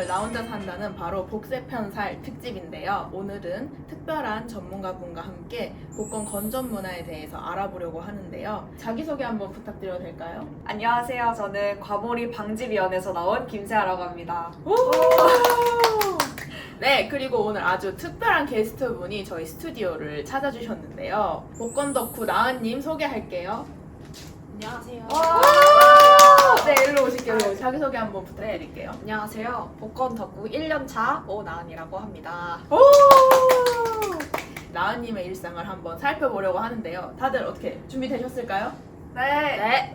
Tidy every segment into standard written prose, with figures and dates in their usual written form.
나 혼자 산다는 바로 복세편살 특집인데요. 오늘은 특별한 전문가분과 함께 복권 건전 문화에 대해서 알아보려고 하는데요. 자기소개 한번 부탁드려도 될까요? 안녕하세요. 저는 과몰입 방지위원회에서 나온 김세아라고 합니다. 네, 그리고 오늘 아주 특별한 게스트분이 저희 스튜디오를 찾아주셨는데요. 복권 덕후 나은님 소개할게요. 안녕하세요. 네, 일로 오실게요. 자기소개 한번 부탁드릴게요. 안녕하세요. 복권 덕후 1년차 오나은이라고 합니다. 나은님의 일상을 한번 살펴보려고 하는데요. 다들 어떻게 준비되셨을까요? 네. 네.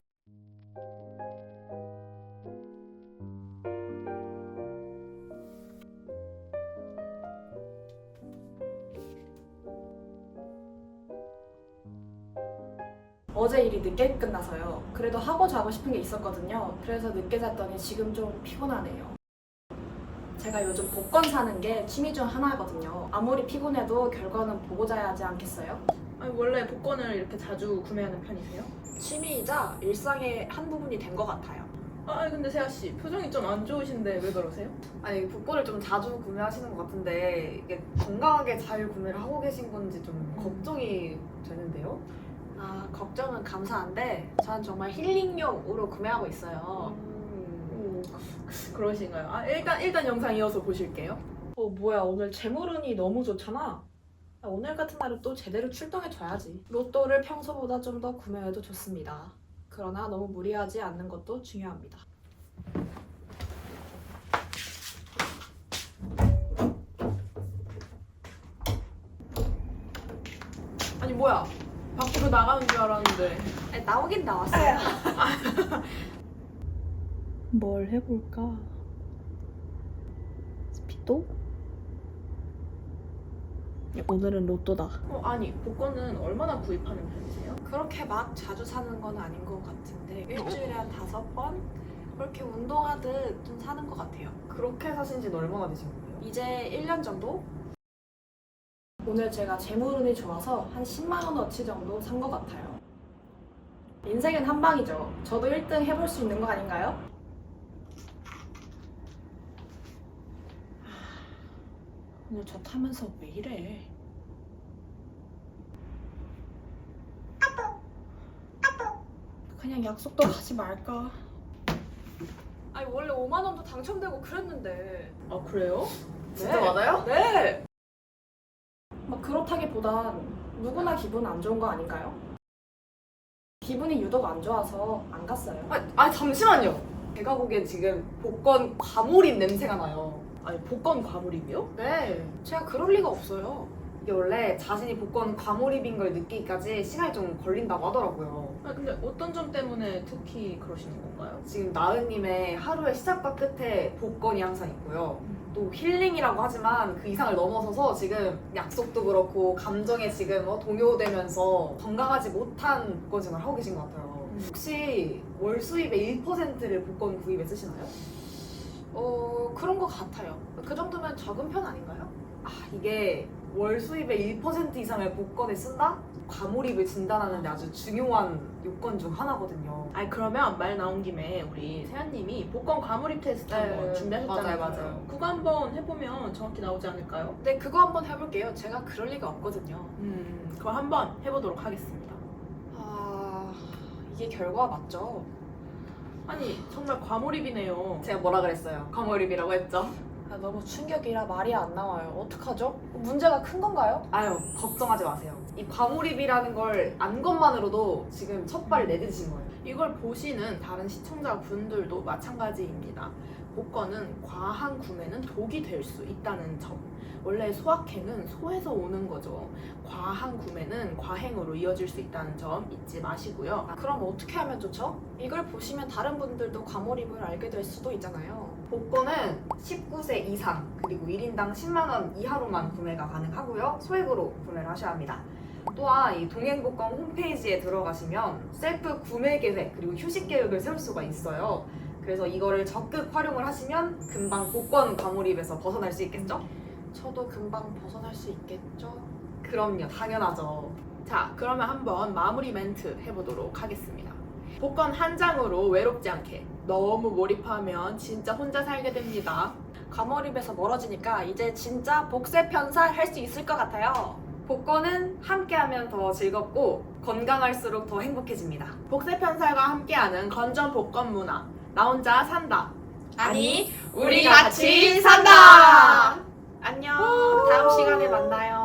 어제 일이 늦게 끝나서요. 그래도 하고 자고 싶은 게 있었거든요. 그래서 늦게 잤더니 지금 좀 피곤하네요. 제가 요즘 복권 사는 게 취미 중 하나거든요. 아무리 피곤해도 결과는 보고 자야 하지 않겠어요? 아니, 원래 복권을 이렇게 자주 구매하는 편이세요? 취미이자 일상의 한 부분이 된 것 같아요. 아, 근데 세아씨, 표정이 좀 안 좋으신데 왜 그러세요? 아니, 복권을 좀 자주 구매하시는 것 같은데 이게 건강하게 잘 구매를 하고 계신 건지 좀 걱정이 되는데요. 아, 걱정은 감사한데 저는 정말 힐링용으로 구매하고 있어요. 그러신가요? 아, 일단 영상 이어서 보실게요. 뭐야, 오늘 재물운이 너무 좋잖아. 오늘 같은 날은 또 제대로 출동해줘야지. 로또를 평소보다 좀 더 구매해도 좋습니다. 그러나 너무 무리하지 않는 것도 중요합니다. 아니, 뭐야? 밖으로 나가는 줄 알았는데. 나오긴 나왔어요. 뭘 해볼까? 스피도? 오늘은 로또다. 아니, 복권은 얼마나 구입하는 편이세요? 그렇게 막 자주 사는 건 아닌 것 같은데 일주일에 한 5번? 그렇게 운동하듯 좀 사는 것 같아요. 그렇게 사신 지는 얼마나 되신 거예요? 이제 1년 정도? 오늘 제가 재물운이 좋아서 한 10만 원어치 정도 산 것 같아요. 인생은 한 방이죠. 저도 1등 해볼 수 있는 거 아닌가요? 오늘 저 타면서 왜 이래? 그냥 약속도 가지 말까? 아니 원래 5만 원도 당첨되고 그랬는데. 아, 그래요? 진짜 맞아요? 네. 막 그렇다기보단 누구나 기분 안 좋은 거 아닌가요? 기분이 유독 안 좋아서 안 갔어요. 잠시만요. 제가 보기엔 지금 복권 과몰입 냄새가 나요. 아니, 복권 과몰입이요? 네. 제가 그럴 리가 없어요. 이게 원래 자신이 복권 과몰입인 걸 느끼기까지 시간이 좀 걸린다고 하더라고요. 아, 근데 어떤 점 때문에 특히 그러시는 건가요? 지금 나은님의 하루의 시작과 끝에 복권이 항상 있고요. 또 힐링이라고 하지만 그 이상을 넘어서서 지금 약속도 그렇고 감정에 지금 동요되면서 건강하지 못한 복권 생활을 하고 계신 것 같아요. 혹시 월 수입의 1%를 복권 구입에 쓰시나요? 그런 것 같아요. 그 정도면 적은 편 아닌가요? 이게 월 수입의 1% 이상을 복권에 쓴다? 과몰입을 진단하는데 아주 중요한 요건 중 하나거든요. 아니, 그러면 말 나온 김에 우리 세아님이 복권 과몰입 테스트 한번 준비하셨잖아요. 맞아요. 그거 한번 해보면 정확히 나오지 않을까요? 네, 그거 한번 해볼게요. 제가 그럴 리가 없거든요. 그럼 한번 해보도록 하겠습니다. 이게 결과 맞죠? 아니, 정말 과몰입이네요. 제가 뭐라 그랬어요? 과몰입이라고 했죠? 너무 충격이라 말이 안 나와요. 어떡하죠? 문제가 큰 건가요? 아유, 걱정하지 마세요. 이 과몰입이라는 걸 안 것만으로도 지금 첫 발을 내딛으신 거예요. 이걸 보시는 다른 시청자분들도 마찬가지입니다. 복권은 과한 구매는 독이 될 수 있다는 점. 원래 소확행은 소에서 오는 거죠. 과한 구매는 과행으로 이어질 수 있다는 점 잊지 마시고요. 그럼 어떻게 하면 좋죠? 이걸 보시면 다른 분들도 과몰입을 알게 될 수도 있잖아요. 복권은 19세 이상 그리고 1인당 10만 원 이하로만 구매가 가능하고요. 소액으로 구매를 하셔야 합니다. 또한 이 동행복권 홈페이지에 들어가시면 셀프 구매 계획 그리고 휴식 계획을 세울 수가 있어요. 그래서 이거를 적극 활용을 하시면 금방 복권 과몰입에서 벗어날 수 있겠죠? 저도 금방 벗어날 수 있겠죠? 그럼요, 당연하죠. 자, 그러면 한번 마무리 멘트 해보도록 하겠습니다. 복권 한 장으로 외롭지 않게 너무 몰입하면 진짜 혼자 살게 됩니다. 과몰입에서 멀어지니까 이제 진짜 복세 편살 할 수 있을 것 같아요. 복권은 함께하면 더 즐겁고 건강할수록 더 행복해집니다. 복세 편살과 함께하는 건전 복권 문화. 나 혼자 산다. 아니, 우리 같이 산다! 안녕. 다음 시간에 만나요.